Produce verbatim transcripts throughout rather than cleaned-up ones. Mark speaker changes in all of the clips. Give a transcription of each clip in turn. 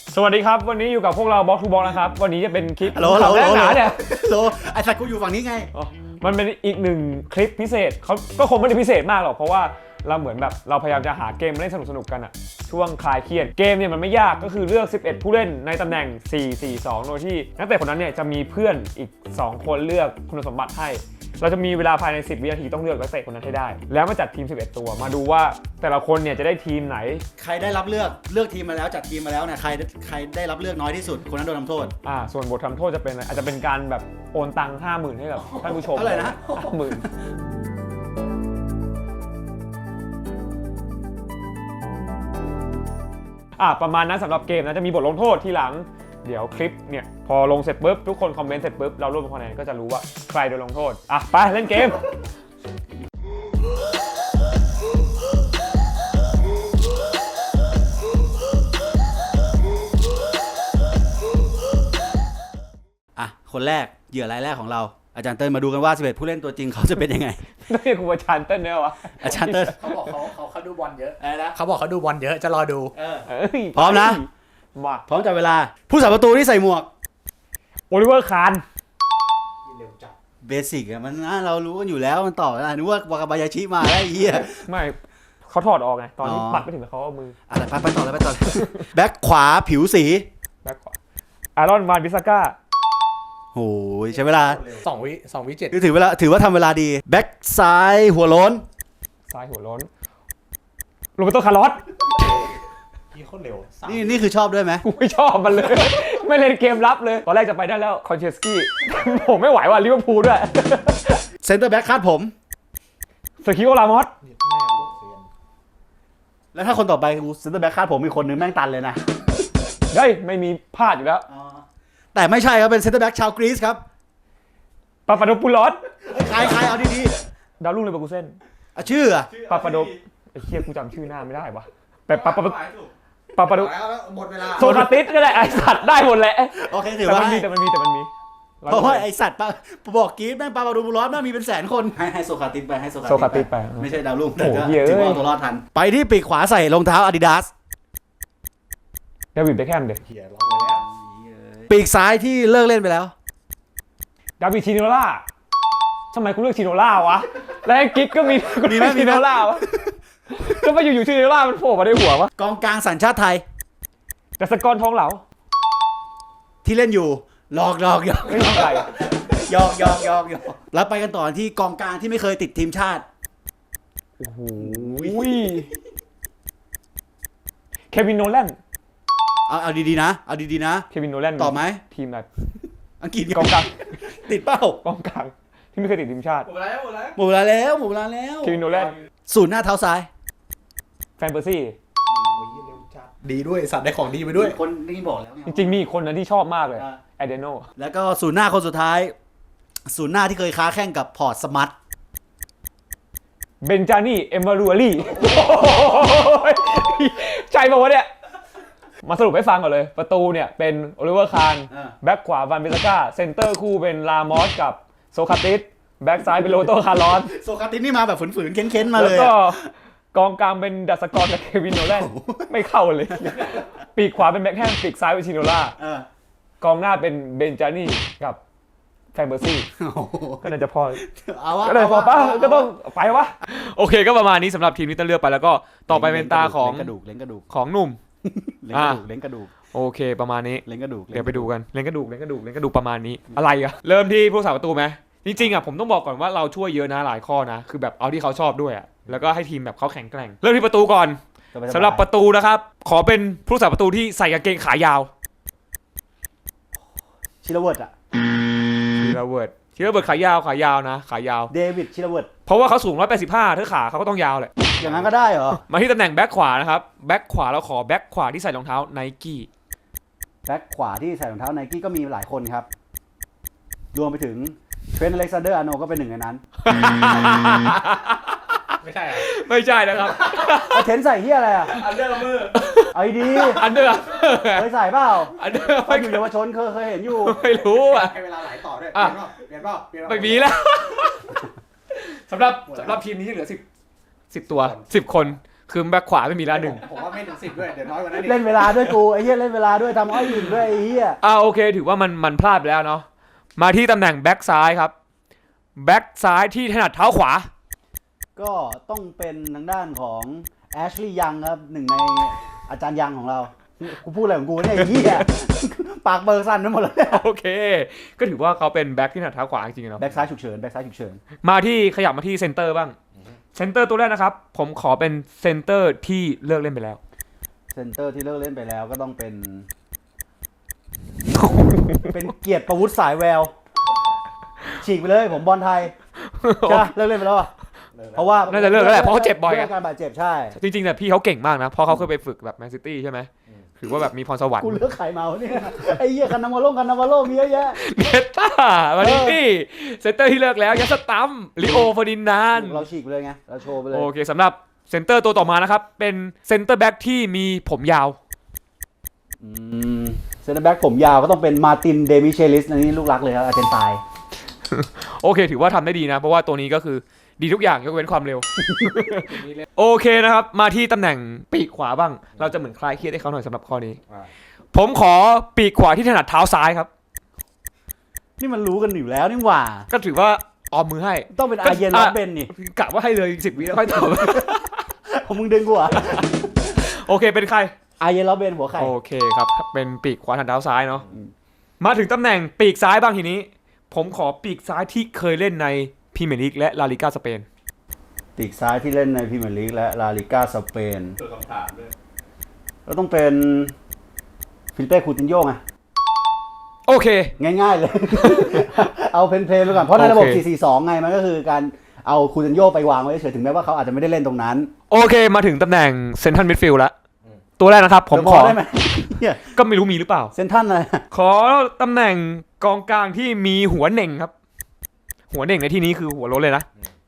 Speaker 1: สวัสดีครับวันนี้อยู่กับพวกเราบล็อกทูบล็อกนะครับวันนี้จะเป็นคลิป
Speaker 2: โหลโหล
Speaker 1: แรกหนาเนี่ย
Speaker 2: โหลไอ้สัตว์กูอยู่ฝั่งนี้ไง
Speaker 1: มันเป็นอีกหนึ่งคลิปพิเศษเขาก็คงไม่ได้พิเศษมากหรอกเพราะว่าเราเหมือนแบบเราพยายามจะหาเกมเล่นสนุกๆกันอะช่วงคลายเครียดเกมเนี่ยมันไม่ยากก็คือเลือกสิบเอ็ดผู้เล่นในตำแหน่งสี่ สี่ สองโดยที่นักเตะคนนั้นเนี่ยจะมีเพื่อนอีกสองคนเลือกคุณสมบัติให้เราจะมีเวลาภายในสิบวินาทีต้องเลือกนักเตะคนนั้นให้ได้แล้วมาจัดทีมสิบเอ็ดตัวมาดูว่าแต่ละคนเนี่ยจะได้ทีมไหน
Speaker 2: ใครได้รับเลือกเลือกทีมมาแล้วจัดทีมมาแล้วเนี่ยใครใครได้รับเลือกน้อยที่สุดคนนั้นโดนทำโทษ
Speaker 1: อ่าส่วนบททำโทษจะเป็นอาจจะเป็นการแบบโอนตังค์ห้าหมื่นให้กับท่านผู้ชม
Speaker 2: เท่าไหร่นะ
Speaker 1: ห้าหมื่นอ่ะประมาณนั้นสำหรับเกมนะจะมีบทลงโทษทีหลังเดี๋ยวคลิปเนี่ยพอลงเสร็จปุ๊บทุกคนคอมเมนต์เสร็จปุ๊บเรารวบรวมคะแนนก็จะรู้ว่าใครโดนลงโทษอ่ะไปเล่นเกม
Speaker 2: อ่ะคนแรกเหยื่อรายแรกของเราอาจารย์เติ้ลมาดูกันว่าสิบเอ็ดผู้เล่นตัวจริงเขาจะเป็นยังไง
Speaker 1: ต้องเรียกครูอาจารย์เต้นเนี่ยวะ
Speaker 2: อาจารย์เติ้ล
Speaker 3: เขาบอกเขาเขาเขาดูบอลเยอะ
Speaker 2: อะไรนะ
Speaker 3: เขาบอกเขาดูบอลเยอะจะรอดู
Speaker 2: พร้อมนะ
Speaker 1: มา
Speaker 2: พร้อมจับเวลาผู้สาประตูที่ใส่หมวก
Speaker 1: โอลิเวอร์คาน
Speaker 3: เร็วจัด
Speaker 2: เบสิกอะมันนะเรารู้กันอยู่แล้วมันต่อนะนึกว่าวากาบายาชิมาได้เหี้ย
Speaker 1: ไม่เขาถอดออกไงตอนที่ปัดไปถึงแล้วเขาเอามือ
Speaker 2: อะไรไปไปต่อเลยไปต่อแบ็คขวาผิวสี
Speaker 1: แบ็คขวาอารอนวานบิซาก้า
Speaker 2: โอ้ยใช้เวลา
Speaker 3: สองวิสองวิเจ็ด
Speaker 2: ถือเวลาถือว่าทำเวลาดีแบ็คซ้ายหัวโล้น
Speaker 1: ซ้ายหัวโล้นโรเบโตคาร์ลอส
Speaker 3: ยี่โคตรเร็ว
Speaker 2: นี่นี่คือชอบด้วยไหม
Speaker 1: กูไม่ชอบมันเลย ไม่เล่นเกมรับเลยตอนแรกจะไปได้แล้วคอนเชสกี้ผมไม่ไหวว่ะลิเวอร์พูลด้วย
Speaker 2: เซนเตอร์แบ็คคาดผม
Speaker 1: สกิโอลามอส
Speaker 2: แล้วถ้าคนต่อไปกูเซนเตอร์แบ็คคาดผมมีคนนึงแม่งตันเลยนะ
Speaker 1: เฮ้ยไม่มีพลาดอยู่แล้ว
Speaker 2: แต่ไม่ใช่ครับเป็นเซนเตอร์แบ็คชาวกรีซครับ
Speaker 1: ปาปาโดปูลอส
Speaker 2: ใครใครเอาดี
Speaker 1: ๆดาวรุ่งเลเวอร์คูเซ่น
Speaker 2: อ่ะชื่ออะ
Speaker 1: ปาปาโดไอ้เหี้ยกูจำชื่อหน้าไม่ได้วะแบบปาปาปาปาโด
Speaker 2: หมดเวลา
Speaker 1: โซคาติสก็ได้ไอสัตว์ได้หมดแหละ
Speaker 2: โอเคถือว่า
Speaker 1: แต่มันมีแต่มันมี
Speaker 2: เพราะว่าไอสัตว์ปะบอกกรีซแม่งปาปาโดปูลอสแม่งมีเป็นแสนคนให้ให้โซคาติสไปให้โซคาติสไปไม่ใช่ดาวรุ่งแต่ก็ถือว่าตัวรอดทันไปที่ปีกขวาใส่รองเท้าอาดิดาส
Speaker 1: เดวิดเบคแฮมเด็ก
Speaker 2: ปีกซ้ายที่เลิกเล่นไปแล้ว
Speaker 1: ดาวิดชิโนล่าทำไมกูเลือกชิโนล่าวะแล้วกิ๊กก็มีกูเลือกชิโนล่าวะก็มาอยู่ๆชิโนล่ามันโผล่มาในหัววะ
Speaker 2: กองกลางสัญชาติไทย
Speaker 1: ดัชกรทองเหลา
Speaker 2: ที่เล่นอยู่หลอกหลอกหยอก
Speaker 1: ไม่ใช่
Speaker 2: หยอกหยอกหยอกหยอกแล้วไปกันต่อที่กองกลางที่ไม่เคยติดทีมชาติ
Speaker 1: โอ้โหเควินโนแลน
Speaker 2: เอาเอาดีๆนะเอาดีๆนะ
Speaker 1: เควินโนแลน
Speaker 2: ตอบไหม
Speaker 1: ทีมไหน
Speaker 2: อังกฤษ
Speaker 1: กองกลาง
Speaker 2: ติดเป้าก
Speaker 1: องกลางที่ไม่เคยติดทีมชาติ
Speaker 3: หมดแล้วหมดแล้ว
Speaker 2: หมดเวลาแล้วหมดเวลาแล้ว
Speaker 1: เควินโนแลน
Speaker 2: ศูนย์หน้าเท้าซ้าย
Speaker 1: แฟนเปอร์ซี่
Speaker 3: ดีด้วยสัตว์ได้ของดีไปด้วย
Speaker 2: คนนี่บอกแล้ว
Speaker 1: จริงๆมีคนนั้นที่ชอบมากเลยแอเดโน
Speaker 2: แล้วก็ศูนย์หน้าคนสุดท้ายศูนย์หน้าที่เคยค้าแข่งกับพอร์ตสมัต
Speaker 1: เบนจานี่เอมมารูอาลี่ใจบอกว่าเนี่ยมาสรุปให้ฟังก่อนเลยประตูเนี่ยเป็นโอลิเวอร์คานแบ็คขวาวันเบซาก้าเซนเตอร์คู่เป็นลามอสกับโซคาติสแบ็คซ้ายเป็นโรโตคาร์ลอส
Speaker 2: โซคาติสนี่มาแบบฝืนๆเค้นๆมาเลย
Speaker 1: แล้วก็กองกลางเป็นดัชกรกับเควินโนแลนไม่เข้าเลยปีกขวาเป็นแบ็คแฮมปีกซ้ายเป็นชิโนล่ากองหน้าเป็นเบนจานี่กับแฟนเบอร์ซี่ก็น่าจะพอก็เลยพอป่ะก็ต้องไปวะโอเคก็ประมาณนี้สำหรับทีมนี้ต้องเลือกไปแล้วก็ต่อไปเป็นตาของ
Speaker 2: กระดูกเล้งกระดูก
Speaker 1: ของหนุ่ม
Speaker 2: เล้งกระดูกเล้งกระดูก
Speaker 1: โอเคประมาณนี้
Speaker 2: เล้งกระดูก
Speaker 1: เดี๋ยวไปดูกันเล้งกระดูกเล้งกระดูกเล้งกระดูกประมาณนี้อะไรอะเริ่มที่ผู้สาประตูไหมจริงๆอ่ะผมต้องบอกก่อนว่าเราช่วยเยอะนะหลายข้อนะคือแบบเอาที่เขาชอบด้วยอ่ะแล้วก็ให้ทีมแบบเขาแข็งแกร่งเริ่มที่ประตูก่อนสำหรับประตูนะครับขอเป็นผู้สาประตูที่ใส่กางเกงขายาว
Speaker 2: ชิลเวิร์ดอ่ะ
Speaker 1: ชิลเวิร์ดชิลเวิร์ดขายาวขายาวนะขายาว
Speaker 2: เดวิดชิลเวิร์ด
Speaker 1: เพราะว่าเขาสูงหนึ่งร้อยแปดสิบห้าถ้าขาเขาก็ต้องยาวแหละ
Speaker 2: อย่างนั้นก็ได้เหรอ
Speaker 1: มาที่ตำแหน่งแบ็คขวานะครับแบ็คขวาเราขอแบ็คขวาที่ใส่รองเท้าไนกี้
Speaker 2: แบ็คขวาที่ใส่รองเท้าไนกี้ก็มีหลายคนครับรวมไปถึงเทรนต์อเล็กซานเดอร์อาร์โนก็เป็นหนึ่งในนั้น
Speaker 3: ไม่ใช่
Speaker 1: ไม่ใช่นะครับ
Speaker 2: เอาเทนใส่เฮียอะไรอ่ะ
Speaker 3: อันเดอร์มือ
Speaker 2: ไอ้ดี
Speaker 1: อันเดอร์
Speaker 2: เคยใส่เปล่า
Speaker 1: อันเดอร์
Speaker 2: ตอนอยู่เยาวชนเคยเคยเห็นอยู่
Speaker 1: ไม่รู้อ่ะ
Speaker 3: ให้เวลาไหลต่อด้วยเปลี่ยนเปล่าเปลี่ยนเปล่า
Speaker 1: ไม่มีแล้วสำหรับสำหรับทีมนี้ที่เหลือสิบสิบตัวสิบคนคือแบ็คขวาไม่มีละหนึ่ง
Speaker 3: ผมว่าไม่ถึงสิบด้วยเดี๋ยวน้อยกว่านั้น
Speaker 2: เล่นเวลาด้วยกูไอ้เหี้ยเล่นเวลาด้วยทำอ้อยอื่นด้วยไอ้เหี้ย
Speaker 1: อ่าโอเคถือว่ามันมันพลาดไปแล้วเนาะมาที่ตำแหน่งแบ็คซ้ายครับแบ็คซ้ายที่ถนัดเท้าขวา
Speaker 2: ก็ต้องเป็นทางด้านของแอชลีย์ยังครับหนึ่งในอาจารย์ยังของเรากูพูดอะไรของกูเนี่ยไอ้เหี้ยปากเบอร์สั้นไปหมดเลย
Speaker 1: โอเค ก็ถือว่าเขาเป็นแบ็คที่ถนัดเท้าขวาจริงๆเนาะ
Speaker 2: แบ็กซ้ายฉุกเฉินแบ็กซ้ายฉุกเฉิน
Speaker 1: มาที่ขยับมาที่เซนเตอร์บ้างเซนเตอร์ตัวแรกนะครับผมขอเป็นเซนเตอร์ที่เลิกเล่นไปแล้ว
Speaker 2: เซนเตอร์ที่เลิกเล่นไปแล้วก็ต้องเป็น เป็นเกียรติประวุฒิสายแววฉีกไปเลยผมบอลไทยจ้ะเลิกเล่นไปแล้วอะเพราะว่า
Speaker 1: น่าจะเลิกแล้วแหละเพราะเขาเจ็บบ่อย
Speaker 2: เรื่
Speaker 1: อะ
Speaker 2: องการบาดเจ็บใช่
Speaker 1: จริงๆแต่พี่เขาเก่งมากนะเพราะเขาเคยไปฝึกแบบแมนซิตี้ใช่ไหมถือว่าแบบมีพรสวรรค์
Speaker 2: กูเลือกใครมาเนี่ยไอ้เหี้ยคันนาวาโลคันนาวาโลมีเยอะแยะ
Speaker 1: เนต้ามาดินี่เซนเตอร์ที่เลิกแล้วยัสตัมลิโอเฟอร์ดินาน
Speaker 2: เราฉีกไปเลยไงเราโชว์ไปเลย
Speaker 1: โอเคสำหรับเซนเตอร์ตัวต่อมานะครับเป็นเซนเตอร์แบ็กที่มีผมยาว
Speaker 2: อืมเซนเตอร์แบ็กผมยาวก็ต้องเป็นมาร์ตินเดมิเชลิสอันนี้ลูกรักเลยครับอาร์เจนไตน์
Speaker 1: โอเคถือว่าทำได้ดีนะเพราะว่าตัวนี้ก็คือดีทุกอย่างยกเว้นความเร็ว โอเคนะครับมาที่ตำแหน่งปีกขวาบ้าง เราจะเหมือนคลายเครียดให้เขาหน่อยสำหรับข้อนี้ ผมขอปีกขวาที่ถนัดเท้าซ้ายครับ
Speaker 2: นี่มันรู้กันอยู่แล้วนี่หว่า
Speaker 1: ก็ถือว่าออมมือให้
Speaker 2: ต้องเป็นอาร์เยนล็อบเบนนี่
Speaker 1: กะว่าให้เลยสิบวิแล้วค่อยตอบ
Speaker 2: ผมมึงดึงกูเหรอ่ะ
Speaker 1: โอเคเป็นใคร
Speaker 2: อาร์เยนล็อบเบนหัวไข่
Speaker 1: โอเคครับ เป็นปีกขวาทางเท้าซ้ายเนาะมาถึงตำแหน่งปีกซ้ายบ้างทีนี้ ผมขอปีกซ้ายที่เคยเล่นในพรีเมียร์ลีกและลาลิก้าสเปน
Speaker 2: ปีกซ้ายที่เล่นในพรีเมียร์ลีกและลาลิก้าสเปน
Speaker 3: ตัวคำถามด้วย
Speaker 2: ก็ต้องเป็นฟิลิเป้คูตินโญ่ไง
Speaker 1: โอเค
Speaker 2: ง่ายๆเลย เอาเพนเพลย์ไปก่อน เพราะในระบบ
Speaker 1: โอเค
Speaker 2: สี่ สี่ สอง ไงมันก็คือการเอาคูตินโญ่ไปวางไว้เฉยถึงแม้ว่าเขาอาจจะไม่ได้เล่นตรงนั้น
Speaker 1: โอเคมาถึงตำแหน่งเซนทรัลมิดฟิลด์แล้วตัวแรกนะครับ ผม
Speaker 2: เดี๋ยว
Speaker 1: ขอ
Speaker 2: ได้ไหมเนี่ย
Speaker 1: ก็ไม่รู้มีหรือเปล่า
Speaker 2: เซนทันอะไร
Speaker 1: ขอตำแหน่งกองกลางที่มีหัวเหน่งครับ หัวเหน่งในที่นี้คือหัวโล้นเลยนะ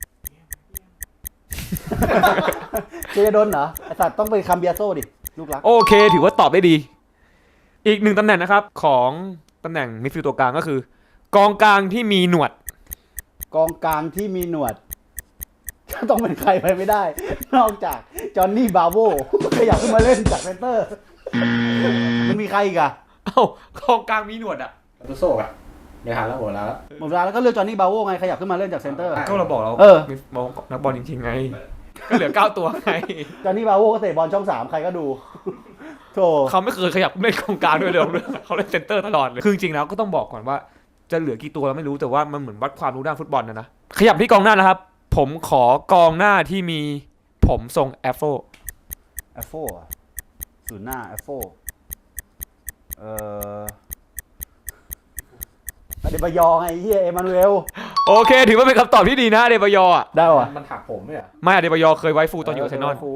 Speaker 2: เจโดนเหรอไอสัตว์ต้องไปคัมเบียโซ่ดิลูกรัก
Speaker 1: โอเค ถือว่าตอบได้ดี อีกหนึ่งตำแหน่งนะครับของตำแหน่งมิดฟิลด์ตัวกลางก็คือ กองกลางที่มีหนวด
Speaker 2: กองกลางที่มีหนวด ต้องเป็นใครไปไม่ได้ นอกจากจอห์นนี่บาโวขยับขึ้นมาเล่นจากเซนเตอร์ มันมีใครอีกอะ
Speaker 1: เอ้ากองกลางมีหนวดอ่ะ
Speaker 3: ตัวโซ่อะเดี๋ยวหาแล้วหัวแล้ว
Speaker 2: หมดเวลาแล้วก็เลือกจอห์นนี่บาโวไงขยับขึ้นมาเล่นจากเซนเตอร์
Speaker 1: ก็เราบอกเรา
Speaker 2: เออ
Speaker 1: มองนักบอลจริงๆไง ก็เหลือเก้าตัวไง
Speaker 2: จอห์นนี่บาโวก็เตะบอลช่องสามใครก็ดูโธ่
Speaker 1: เขาไม่เคยขยับเล่นกองกลางด้วยเลยเขาเล่นเซนเตอร์ตลอดเลยคือจริงๆแล้วก็ต้องบอกก่อนว่าจะเหลือกี่ตัวเราไม่รู้แต่ว่ามันเหมือนวัดความรู้ด้านฟุตบอลนะนะขยับที่กองหน้านะครับ ผมขอกองหน้าที่มีผมทรงแอฟโฟ
Speaker 2: แอฟโฟอะศูนย์หน้าแอฟโฟเอ่ออเดบายอไงเฮียเอมานูเอล
Speaker 1: โอเค ถือว่าเป็นคำตอบที่ดีนะเดบายออ่ะ
Speaker 2: ได้ว่ะ
Speaker 3: มันถักผมไหมอ่ะ
Speaker 1: ไม่เดบายอเคยไว้ฟูลตอนอยู่อาร์เซนอล
Speaker 2: ฟู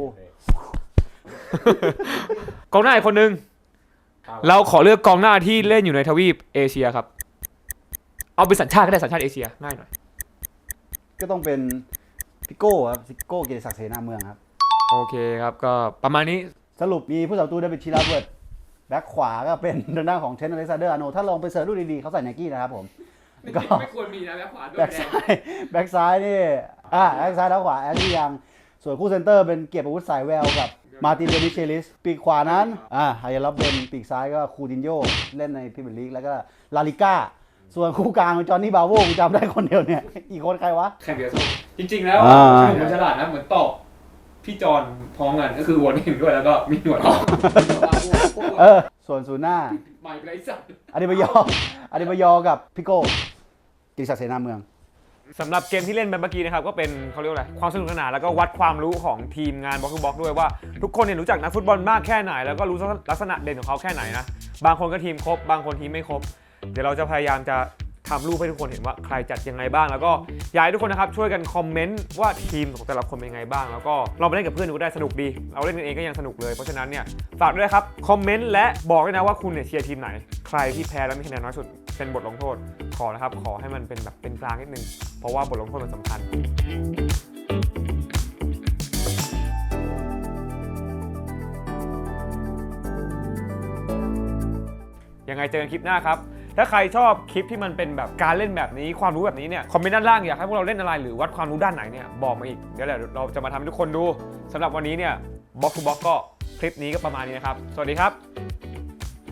Speaker 1: กองหน้าอีกคนนึงเราขอเลือกกองหน้าที่เล่นอยู่ในทวีปเอเชียครับเอาเป็นสัญชาติก็ได้สัญชาติเอเชียง่ายหน่อย
Speaker 2: ก็ต้องเป็นพิโก้ครับพิโก้เกียรติศักดิ์เสนาเมืองครับ
Speaker 1: โอเคครับก็ประมาณนี้
Speaker 2: สรุปมีผู้สาประตูได้เป็นชิลาเวิร์ดแบ็คขวาก็เป็นทางด้านของเทนนิสอเล็กซานเดอร์อาร์โนถ้าลองไปเสิร์ชดูดีๆเขาใส่ไนกี้นะครับผมก็
Speaker 1: ไม่ควรมีนะแบ็คขวาด้วย
Speaker 2: แบ็คซ้ายแบ็คซ้ายนี่อ่าแบ็คซ้ายเท้าขวาแอชลีย์ยังส่วนคู่เซนเตอร์เป็นเกียรติประวุฒิสายแววกับมาร์ตินเดมิเชลิสปีกขวานั้นอ่าไฮยาลับเบนปีกซ้ายก็คูตินโญ่เล่นในพรีเมียร์ลีกแล้วก็ลาลิก้าส่วนคู่กลางจอห์นนี่บาโวกูจำได้คนเดียวเนี่ยอีกคนใครวะ
Speaker 1: แข่งเดียวจริงๆแล้ว
Speaker 2: อ่า
Speaker 1: คือผมฉลาดนะเหมือนตอบพี่จอนพร้อมกันก็คือวนเห็นด้วยแล้วก็มีหนวดออก
Speaker 2: เออส่วนศูนย์หน้า
Speaker 1: ใหม่ไรสัตว์
Speaker 2: อดิบายออดิบายอกับพิโก้กิติศักดิ์เสนาเมือง
Speaker 1: สำหรับเกมที่เล่นไปเมื่อกี้นะครับก็เป็นเขาเรียกว่าอะไรความสนุกสนานแล้วก็วัดความรู้ของทีมงานบล็อกทูบล็อกด้วยว่าทุกคนเนี่ยรู้จักนักฟุตบอลมากแค่ไหนแล้วก็รู้ลักษณะเด่นของเขาแค่ไหนนะบางคนก็ทีมครบบางคนทีมไม่ครบเดี๋ยวเราจะพยายามจะทำรูปให้ทุกคนเห็นว่าใครจัดยังไงบ้างแล้วก็อยากให้ทุกคนนะครับช่วยกันคอมเมนต์ว่าทีมของแต่ละคนเป็นยังไงบ้างแล้วก็เราไปเล่นกับเพื่อนดูก็ได้สนุกดีเราเล่นกันเองก็ยังสนุกเลยเพราะฉะนั้นเนี่ยฝากด้วยครับคอมเมนต์และบอกด้วยนะว่าคุณเนี่ยเชียร์ทีมไหนใครที่แพ้แล้วมีคะแนนน้อยสุดเป็นบทลงโทษขอนะครับขอให้มันเป็นแบบเป็นกลางนิดนึงเพราะว่าบทลงโทษมันสำคัญยังไงเจอกันคลิปหน้าครับถ้าใครชอบคลิปที่มันเป็นแบบการเล่นแบบนี้ความรู้แบบนี้เนี่ยคอมเมนต์ด้านล่างอยากให้พวกเราเล่นอะไรหรือวัดความรู้ด้านไหนเนี่ยบอกมาอีกเดี๋ยวเราจะมาทำให้ทุกคนดูสำหรับวันนี้เนี่ยบล็อกทูบล็อกก็คลิปนี้ก็ประมาณนี้นะครับ สวัสดีครับ